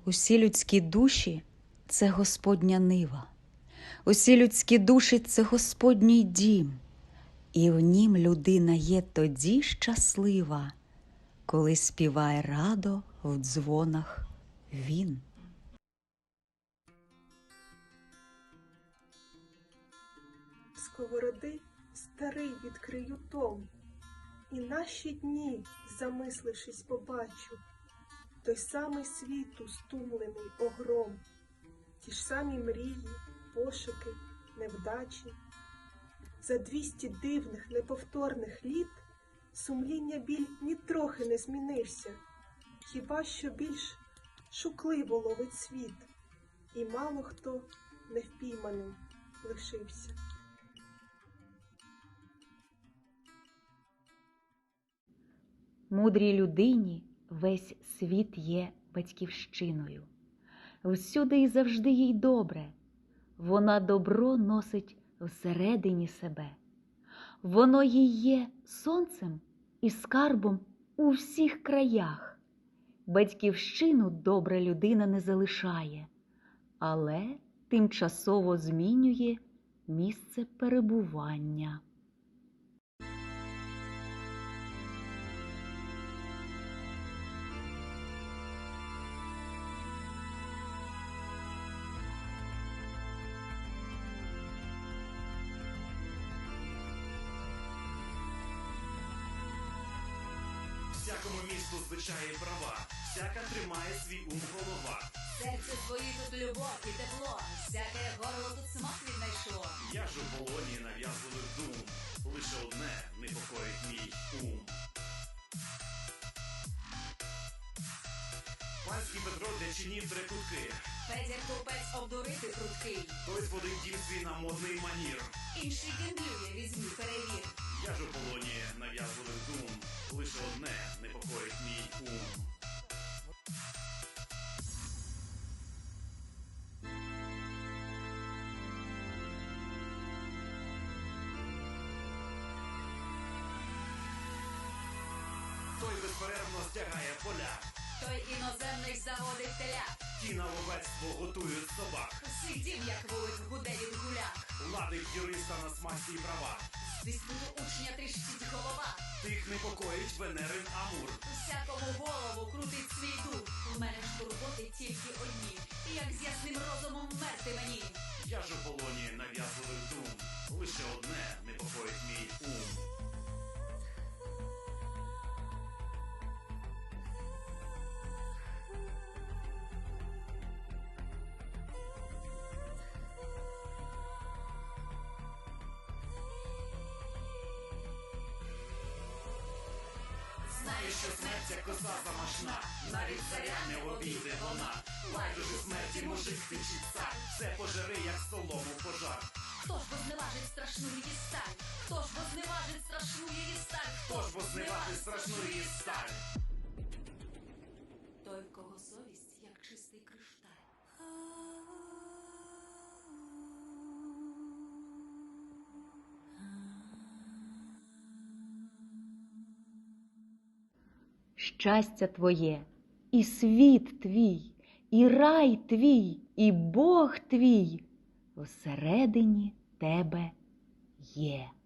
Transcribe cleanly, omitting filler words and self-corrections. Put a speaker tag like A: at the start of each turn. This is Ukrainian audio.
A: Усі людські душі – це Господня нива, усі людські душі – це Господній дім, і в нім людина є тоді щаслива, коли співає радо в дзвонах він.
B: Сковороди старий відкрию том, і наші дні, замислившись, побачу той самий світу стумлений огром, ті ж самі мрії, пошуки, невдачі. За 200 дивних, неповторних літ сумління біль нітрохи не змінився, хіба що більш шукливо ловить світ, і мало хто невпійманим лишився.
A: Мудрій людині весь світ є батьківщиною. Всюди і завжди їй добре. Вона добро носить всередині себе. Воно їй є сонцем і скарбом у всіх краях. Батьківщину добра людина не залишає, але тимчасово змінює місце перебування.
C: Всякому місту звичаї права, всяка тримає свій ум голова.
D: Серце твої тут любов і тепло, всяке горло тут смак віднайшло.
C: Я ж у полоні нав'язливих дум, лише одне непокоїть мій ум. Панський Петро для чинів трекутки,
D: Федір купець обдурити пруткий,
C: той зводить дім свій на модний манір.
D: інший гендлює, візьми, перевір.
C: Я ж у полоні нав'язливих дум, лише одне непокоїть мій ум. Той безперервно стягає поля,
D: Той іноземний заводить теля,
C: ті на ловецтво готують собак.
D: сидів, як вулик гуде від гулях.
C: Ладить юриста на смасті й права,
D: З диспуту учня тріщить голова,
C: тих непокоїть Венерин Амур.
D: всякому голову крутить свій дух. У мене ж турботи тільки одні, як з ясним розумом вмерти мені.
C: Я ж у полоні нав'язливих дум, лише одне непокоїть мій ум. Знаєш, що смерть як коса замашна, навіть царя не обійде вона. Байдуже смерті мужик тичить цар, все пожери, як солому пожар.
D: Хто ж возневажить страшну її сталь? Хто ж возневажить страшну її сталь?
C: Хто ж возневажить страшну її сталь?
D: Той, в кого совість, як чистий кришталь.
A: Щастя твоє, і світ твій, і рай твій, і Бог твій всередині тебе є.